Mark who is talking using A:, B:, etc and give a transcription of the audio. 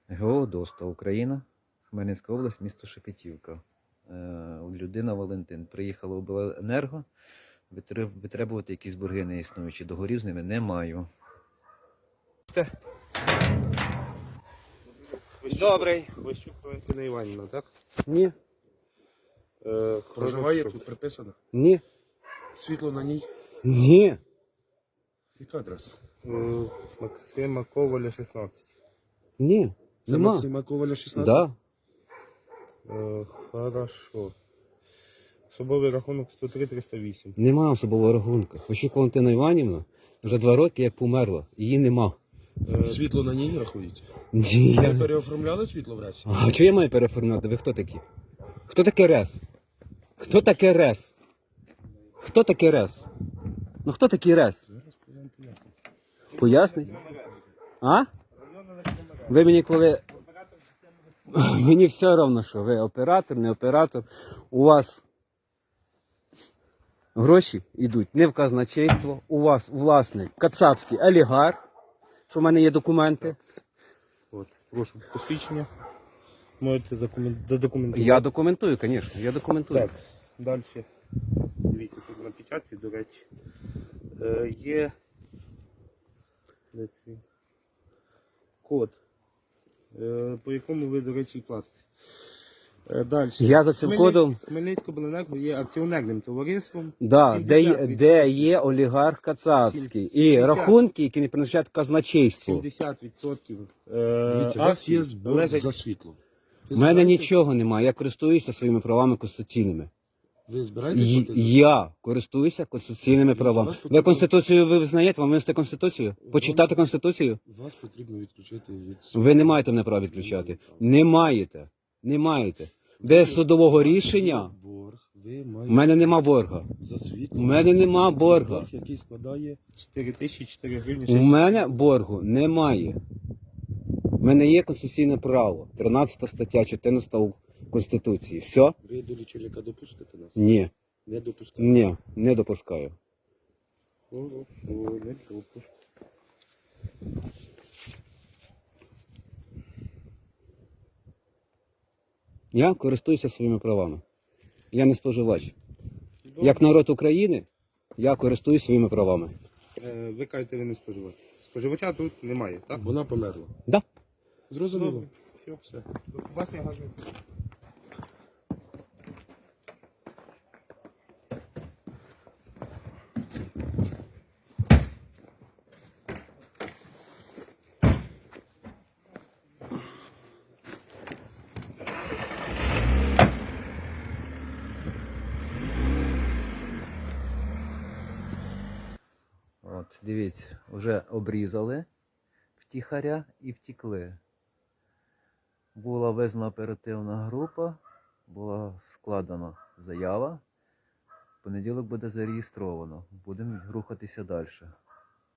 A: ГО «Доста Україна», Хмельницька область, місто Шепетівка. Людина Валентин. Приїхала в обленерго, витребувати якісь борги неіснуючі. Договорів з ними не маю.
B: Добрий. Ващук Валентина Іванівна, так?
C: Ні.
D: Проживає тут приписано?
C: Ні.
D: Світло на ній?
C: Ні.
D: Яка адреса?
B: Максима Коваля, 16.
C: Ні.
D: Це
C: Нема.
D: Максима Коваля 16?
C: Да.
B: Хорошо. Особовий рахунок 103-308.
C: Нема особового рахунку. Ващук Валентина Іванівна вже 2 роки як померла. Її нема.
D: Світло на ній рахується?
C: Ні.
D: Ви переоформляли світло в РЕСі?
C: А чого я маю переформувати? Ви хто такі? Хто таке РЕС? Хто таке РЕС? Хто таке РЕС? Ну хто такий РЕС?
D: Зараз вам поясню.
C: Поясніть? А? Ви мені коли... Мені все одно, що ви оператор, не оператор. У вас гроші йдуть не в казначейство, у вас власний кацапський олігарх, що в мене є документи.
B: От, прошу посвідчення. Можете задокументувати.
C: Я документую, звісно, я документую.
B: Так, далі. Дивіться, тут на печатці, до речі, є де цей код, по якому ви, до речі, і платите. Далі.
C: Я за цим кодом,
B: Хмельницька обленерго є акціонерним товариством.
C: да,
B: 70%.
C: де є олігарх кацапський. І
B: 70.
C: рахунки, які не принадлежать казначейству.
B: 70%
D: Дивіться, у вас є
B: акцій
D: збор
B: належать.
D: за світло. Ви
C: У мене
D: збираєте-
C: нічого немає, я користуюся своїми правами конституційними.
D: Ви збираєтесь платити за
C: Я користуюся конституційними
D: Дивіться,
C: правами.
D: вас
C: Ви
D: потрібно-
C: Конституцію ви визнаєте? Вам винести Конституцію? Почитати Конституцію?
D: Вас потрібно відключити від...
C: Ви не маєте мене права відключати. Не маєте. Не маєте. Без судового рішення
D: Борг, ви
C: в
D: маєте
C: мене нема борга.
D: за світло.
C: У мене нема борга.
D: Борг, який складає...
B: 4004 гривні.
C: У мене боргу немає. У мене є конституційне право. 13 стаття 14 Конституції. Все?
D: Ви до лічильника допустите нас?
C: Ні.
D: Не допускаєте?
C: Ні. Не допускаю.
B: Хорошо, не допуск.
C: Я користуюся своїми правами. Я не споживач. Як народ України, я користуюсь своїми правами.
B: Ви кажете, ви не споживач. Споживача тут немає, так?
D: Вона померла.
C: Да.
D: Зрозуміло.
B: Добре. Все. До побачення, гарного.
A: От, дивіться, вже обрізали втіхаря і втікли. Була визнана оперативна група, була складена заява. В понеділок буде зареєстровано. Будемо рухатися далі.